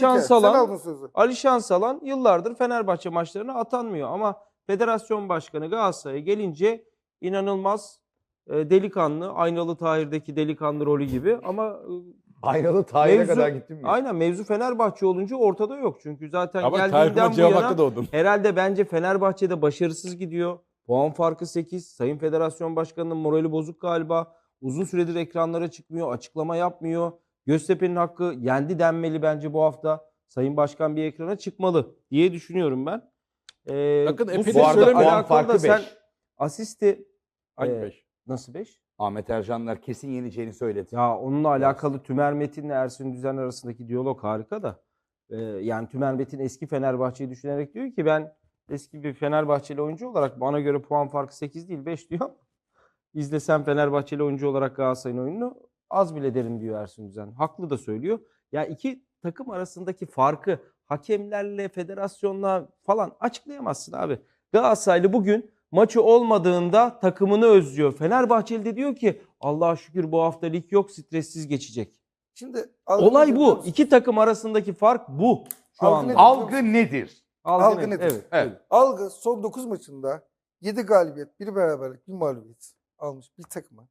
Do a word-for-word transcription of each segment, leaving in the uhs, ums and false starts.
Şansalan, Ali Şansalan yıllardır Fenerbahçe maçlarına atanmıyor ama Federasyon Başkanı Galatasaray'a gelince inanılmaz e, delikanlı, Aynalı Tahir'deki delikanlı rolü gibi ama e, Aynalı Tahir'e kadar gittim mi? Aynen, mevzu Fenerbahçe olunca ortada yok. Çünkü zaten ama geldiğinden bu yana doğdum. herhalde bence Fenerbahçe'de başarısız gidiyor. Puan farkı sekiz. Sayın Federasyon Başkanı'nın morali bozuk galiba. Uzun süredir ekranlara çıkmıyor, açıklama yapmıyor. Göztepe'nin hakkı yendi denmeli bence bu hafta. Sayın Başkan bir ekrana çıkmalı diye düşünüyorum ben. Ee, Bakın, bu epey Bu arada süreçle puan alakalı farkı da sen beş. asisti Hangi e, beş? nasıl beş? Ahmet Ercanlar kesin yeneceğini söyledi. Ya onunla alakalı Tümer Metin'le Ersun Düzen arasındaki diyalog harika da. Ee, yani Tümer Metin eski Fenerbahçe'yi düşünerek diyor ki ben eski bir Fenerbahçeli oyuncu olarak bana göre puan farkı sekiz değil beş diyor. İzlesem Fenerbahçeli oyuncu olarak Galatasaray'ın oyununu az bile derim diyor Ersun Düzen. Haklı da söylüyor. Ya iki takım arasındaki farkı hakemlerle, federasyonla falan açıklayamazsın abi. Galatasaraylı bugün maçı olmadığında takımını özlüyor. Fenerbahçeli de diyor ki Allah'a şükür bu hafta lig yok, stressiz geçecek. Şimdi Olay bu. İki takım arasındaki fark bu şu Algı anda. nedir? Algı nedir? Algı, Algı net. nedir? Evet. Evet. Algı son dokuz maçında yedi galibiyet, bir beraberlik, bir mağlubiyet almış bir takıma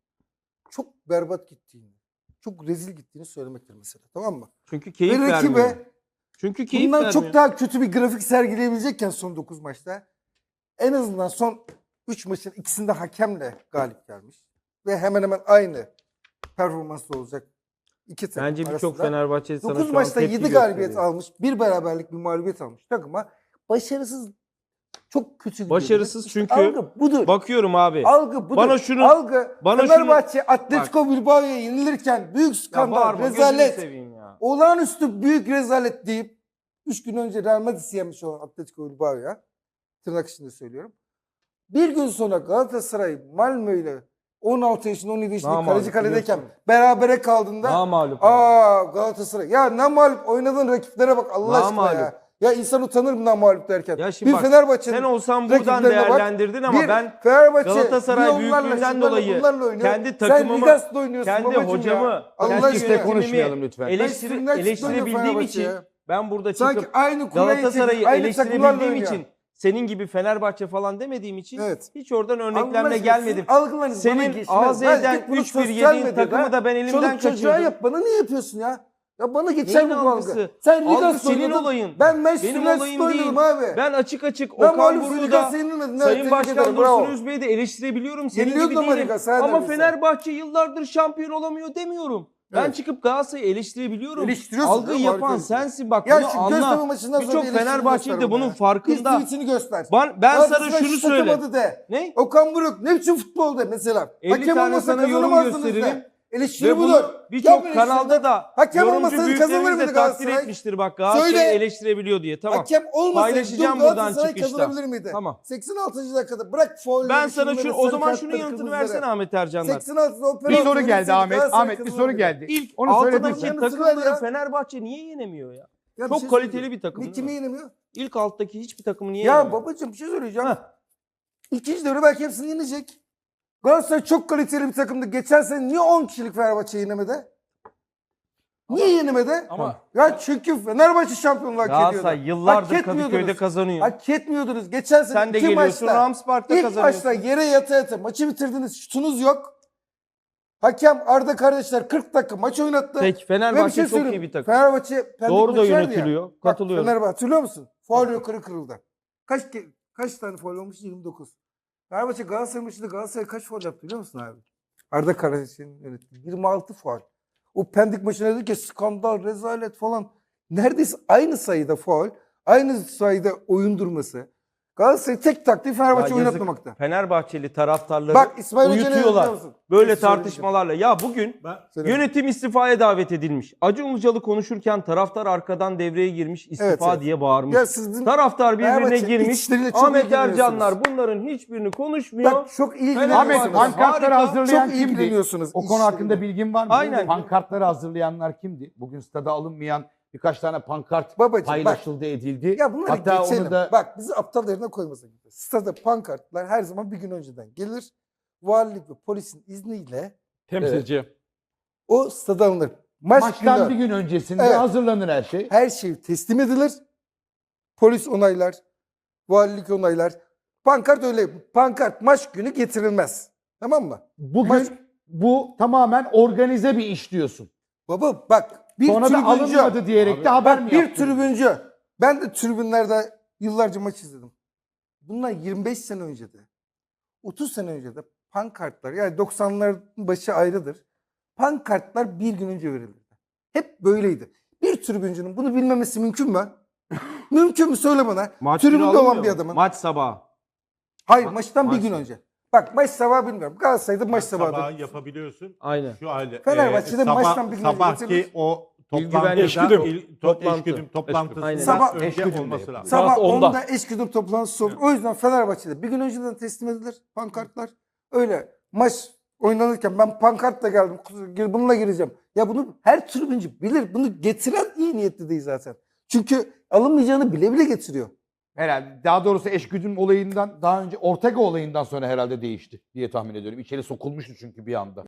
çok berbat gittiğini, çok rezil gittiğini söylemektir mesela. Tamam mı? Çünkü keyif Ve vermiyor. rakibe Çünkü keyif bundan vermiyor. çok daha kötü bir grafik sergileyebilecekken son dokuz maçta en azından son üç maçın ikisinde hakemle galip gelmiş. Ve hemen hemen aynı performanslı olacak iki takım Bence birçok arasında. Fenerbahçeli sana dokuz şu an maçta tepki yedi galibiyet gösteriyor. almış, bir beraberlik, bir mağlubiyet almış takıma başarısız, çok kötü gidiyor. Başarısız İşte çünkü algı budur. Bakıyorum abi. Algı budur. Bana şunu- algı bana Fenerbahçe Atletico Bilbao'ya yenilirken büyük Ya skandal, bağırma, gözünü rezalet, seveyim ya. olağanüstü büyük rezalet deyip üç gün önce Real Madrid'i yenmiş olan Atletico Bilbao'ya, tırnak içinde söylüyorum. Bir gün sonra Galatasaray Malmö ile on altı yaşında on yedi yaşında Namağlup, kaleci kaledeyken biliyorsun. berabere kaldığında Namağlup. aa Galatasaray ya namalup oynadığın rakiplere bak Allah aşkına Namalup. ya. Ya insan utanır mı namalup derken. Ya şimdi bir bak, Fenerbahçe'nin sen olsan buradan rakiplerine bak, değerlendirdin ama bir ben Fenerbahçe Galatasaray bir onlarla, büyüklüğünden şunlarla, dolayı bunlarla oynuyor. kendi Sen takımımı, Ligas'ta oynuyorsun kendi babacığım hocamı, ya. kendi Allah Herkesle aşkına. yönetimimi konuşmayalım lütfen. eleştiri, Ben sinirden eleştirebildiğim çıkıyorum için Fenerbahçe'ye. ben burada Sanki çıkıp aynı kuleyi Galatasaray'ı çekip aynı takımlarla eleştirebildiğim oynuyor. için senin gibi Fenerbahçe falan demediğim için Evet. hiç oradan Allah örneklemle aşkına gelmedim. sizin algılarınız bana Senin geçmez. A Z'den Ben git bunu üç bir sosyal yediğin medyada takımı da ben elimden çoluk çocuğa kaçırdım. yap. Bana niye yapıyorsun ya? Ya bana geçer Neyin bu algısı? algı. Sen Algı Ligas'ta senin oynadın. olayın. Ben Manchester Benim United'da olayım oynadım değil. abi. Ben açık açık Ben Okan mağlup Buruk'u Ligas'ta da yenilmedim. Evet, Sayın tebrik Başkan ederim, bravo. Dursun Özbey'i de eleştirebiliyorum. Senin Yeniliyordu gibi ama değilim. Ligas, her Ama neredeyse. Fenerbahçe yıllardır şampiyon olamıyor demiyorum. Ben Evet. çıkıp Galatasaray'ı eleştirebiliyorum. Eleştiriyorsun Algıyı canım, yapan harika. sensin bak Ya bunu şu Göztepe anla. maçından sonra Birçok bir eleştiri Fenerbahçeli göster de bunun bana ya. farkında. Bir tweetini göster. Ben, ben sana Galatasaray şunu şu söyle. takamadı de. Ne? Okan Buruk ne biçim futbolda mesela. elli Hakem tane olmasa sana yorum kazanamazdınız gösteririm. de. Eleştiri Ve bunu budur. birçok Yapın kanalda eleştiri. da Hakem yorumcu olmasaydı kazanır büyüklerimiz de mıydı takdir Galatasaray? etmiştir bak Galatasaray'ı Söyle. eleştirebiliyor diye. Tamam. Hakem olmasaydı Paylaşacağım dün buradan Galatasaray çıkışta. kazanabilir miydi? Tamam. seksen altıncı dakikada bırak faul. Ben sana şu o zaman şunun yanıtını versene Ahmet Ercanlar. seksen altıda o Bir penaltı soru geldi verilseydi Ahmet. Galatasaray Ahmet bir soru kazanırdı. geldi. İlk Onu söyledin altıdaki sen. Yanıtını ver takımları ya. Fenerbahçe niye yenemiyor ya? Ya bir Çok şey kaliteli söyleyeceğim. bir takım Ne değil kimi mi? yenemiyor? İlk alttaki hiçbir takımı niye Ya yenemiyor? babacığım bir şey söyleyeceğim. Heh. İkinci devre belki hepsini yenecek. Galatasaray çok kaliteli bir takımdı. Geçen sene niye on kişilik Fenerbahçe yenemedi? Niye yenemedi? Ama Ya çünkü Fenerbahçe şampiyonluğu hak ediyordu. Galatasaray yıllardır Hak Kadıköy'de etmiyordunuz. kazanıyor. Hak etmiyordunuz. Geçen sene Sen de iki geliyorsun maçta, Ramspark'ta ilk kazanıyorsun. maçta yere yata yata maçı bitirdiniz. Şutunuz yok. Hakem Arda kardeşler kırk dakika maç oynattı. Peki Ve bir Fenerbahçe şey çok iyi söyleyeyim. bir takım. Fenerbahçe pendik Doğru da maçı verdi ya. yönetiliyor. Bak, Katılıyorum. Fenerbahçe hatırlıyor musun? Faul yukarı kırıldı. Kaç ke- kaç tane faul olmuş? yirmi dokuz. Fenerbahçe Galatasaray maçında Galatasaray kaç faul yaptı biliyor musun abi? Arda Kardeş'in yönettiği yirmi altı faul. O Pendik maçında dedik ki skandal, rezalet falan. Neredeyse aynı sayıda faul, aynı sayıda oyun durması. Galatasaray tek taktiği Fenerbahçe Ya yazık, oynatmamakta. Fenerbahçeli taraftarları Bak İsmail Hoca ne dedi uyutuyorlar. biliyor musun? Böyle Söyleyeceğim. tartışmalarla. Ya bugün Söyle. yönetim istifaya davet edilmiş. Acun Ilıcalı konuşurken taraftar arkadan devreye girmiş, istifa Evet, evet. diye bağırmış. Ya sizin Taraftar birbirine Fenerbahçe girmiş. içleriyle çok Ahmet ilgileniyorsunuz. Ercanlar bunların hiçbirini konuşmuyor. bak çok Ahmet ilgileniyorsunuz. pankartları Harika. hazırlayan Çok kimdi? ilgileniyorsunuz. O konu İşte hakkında bu. bilgin var mı? Aynen. Pankartları hazırlayanlar kimdi? Bugün stada alınmayan birkaç tane pankart Babacım, paylaşıldı, edildi. Ya bunları Hatta geçelim. onu da Bak bizi aptal yerine koymasın. Stada pankartlar her zaman bir gün önceden gelir. Valilik ve polisin izniyle temsilci. o stada alınır. Maç Maçtan günü bir gün öncesinde Evet. hazırlanır her şey. her şey teslim edilir. Polis onaylar, valilik onaylar. Pankart öyle. Pankart maç günü getirilmez. Tamam mı? Bugün Maç- bu tamamen organize bir iş diyorsun. Baba bak bir Sonra da tribüncü. alınmadı diyerek Abi, de haber mi Bak bir yaptın? tribüncü. Ben de tribünlerde yıllarca maç izledim. Bundan yirmi beş sene önce de, otuz sene önce de pankartlar, yani doksanların başı ayrıdır. Pankartlar bir gün önce verilirdi. Hep böyleydi. Bir tribüncünün bunu bilmemesi mümkün mü? Mümkün mü? Söyle bana. Maç günü Tribünde alınmıyor olan mu? bir adamın. Maç sabahı. Hayır, Ma- maçtan bir maç gün sabahı. önce. Bak maç sabahı bilmiyorum. Galatasaray'da maç Maç sabahı. sabahı yapabiliyorsun. Aynen. Şu halde. Fenerbahçe'de sabah- maçtan bir gün önce Sabahki getirilir. o güvenlik- toplantıdan Eşgüdüm. il- to- Toplantı. eşgüdüm toplantısından Aynen. Sabah- önce Eşgüdüm de olması yapılıyor. lazım. Sabah Saat onda. onda eşgüdüm toplantısı olur. O yüzden Fenerbahçe'de bir gün önceden teslim edilir pankartlar. Öyle maç oynanırken ben pankartla geldim. Bununla gireceğim. Ya bunu her tribüncü bilir. Bunu getiren iyi niyetli değil zaten. Çünkü alınmayacağını bile bile getiriyor. Herhalde daha doğrusu eşgüdüm olayından daha önce Ortega olayından sonra herhalde değişti diye tahmin ediyorum. İçeri sokulmuştu çünkü bir anda.